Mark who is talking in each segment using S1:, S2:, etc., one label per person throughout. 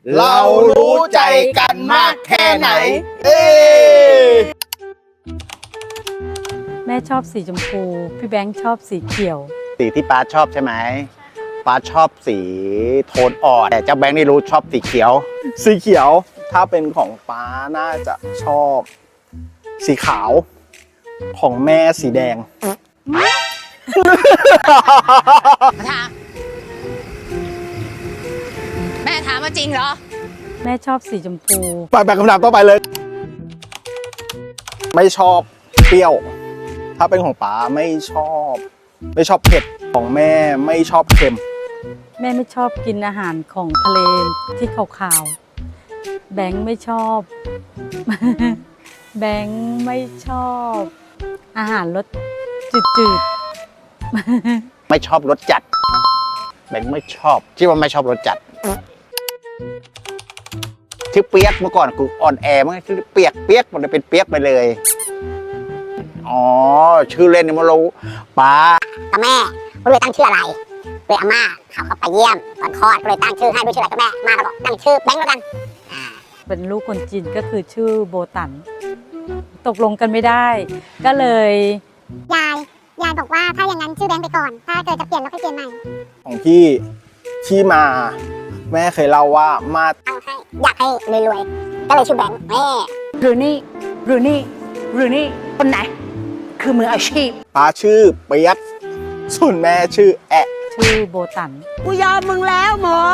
S1: เรารู้ใจกันมากแค่ไหน
S2: แม่ชอบสีชมพู พี่แบงค์ชอบสีเขียว
S1: สีที่ป้าชอบใช่ไหมป้าชอบสีโทนอ่อนแต่เจ้าแบงค์นี่รู้ชอบสีเขียว
S3: สีเขียวถ้าเป็นของป้าน่าจะชอบสีขาวของแม่สีแดง
S4: แม่ถามมาจริงเหรอ
S2: แม่ชอบสีชมพู
S3: ไปคำถามต่อไปเลย ไม่ชอบเปรี้ยว ถ้าเป็นของป๋าไม่ชอบเผ็ดของแม่ไม่ชอบเค็ม
S2: แม่ไม่ชอบกินอาหารของทะเลที่ขาวๆแบงค์ไม่ชอบ แบงค์ไม่ชอบ อาหารรสจืด
S1: ไม่ชอบรสจัดแบงค์ไม่ชอบที่ว่าไม่ชอบรสจัดชื่อเปียกเมื่อก่อนกูอ่อนแอมันชื่อเปียกมันเลยเป็นเปียกไปเลยอ๋อชื่อเล่นนี่มันรู้ป้า
S5: กับแม่ก็เลยตั้งชื่ออะไรเลยอาม่าเขาไปเยี่ยมตอนคลอดก็เลยตั้งชื่อให้ด้วยชื่ออะไรก็แม่มาก็บอกตั้งชื่อแบงค์แล้วกัน
S2: ๆ เป็นลูกคนจีนก็คือชื่อโบตัน ตกลงกันไม่ได้ ก็เลย
S5: ยายบอกว่าถ้าอย่างนั้นชื่อแบงค์ไปก่อนถ้าเกิดจะเปลี่ยนเราค่อยเปลี่ยนใหม่
S3: ของพี่ที่มาแม่เคยเล่าว่ามา
S5: ตั้งให้อยากให้รวยๆก็เลยชื่อแบงค์แม่
S6: หรือนี่คนไหน คือมืออาชีพ
S3: ป้าชื่อเปียกส่วนแม่ชื่อแอะ
S2: ชื่อโบตัน
S6: กูยอมมึงแล้วหมอ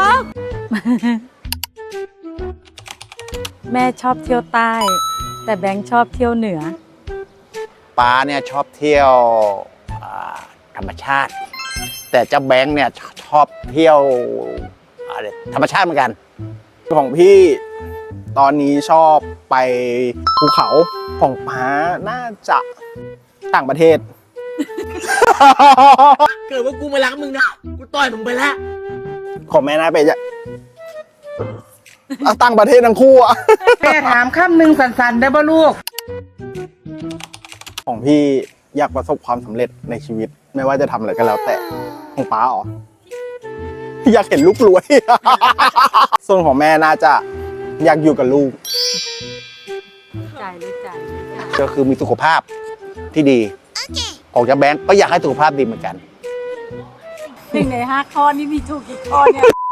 S2: แม่ชอบเที่ยวใต้ แต่แบงค์ชอบเที่ยวเหนือ
S1: ป้าเนี่ยชอบเที่ยวธรรมชาติ แต่เจ้าแบงค์เนี่ยชอบเที่ยวอะไรธรรมชาติเหมือนกัน
S3: ของพี่ตอนนี้ชอบไปภูเขาของป้าน่าจะต่างประเทศ
S6: เกิดว่ากูไม่รักมึงนะ กูต่อยมึงไปแล้ว
S3: ของแม่น่าไปจะต่างประเทศทั้งคู่อะ
S6: แม่ถามคำหนึ่งสันๆได้ป่ะลูก
S3: ของพี่อยากประสบความสำเร็จในชีวิต ไม่ว่าจะทำอะไรก็แล้วแต่ของป้าอ๋ออยากเห็นลูกรวย ส่วนของแม่น่าจะอยากอยู่กับลูก
S2: ใจรู้ใจ
S1: ก็คือมีสุขภาพที่ดีของเจ้าแบงค์ก็อยากให้สุขภาพดีเหมือนกัน
S2: 1 ใน 5 ข้อนี่มีถูกกี่ข้อเนี่ย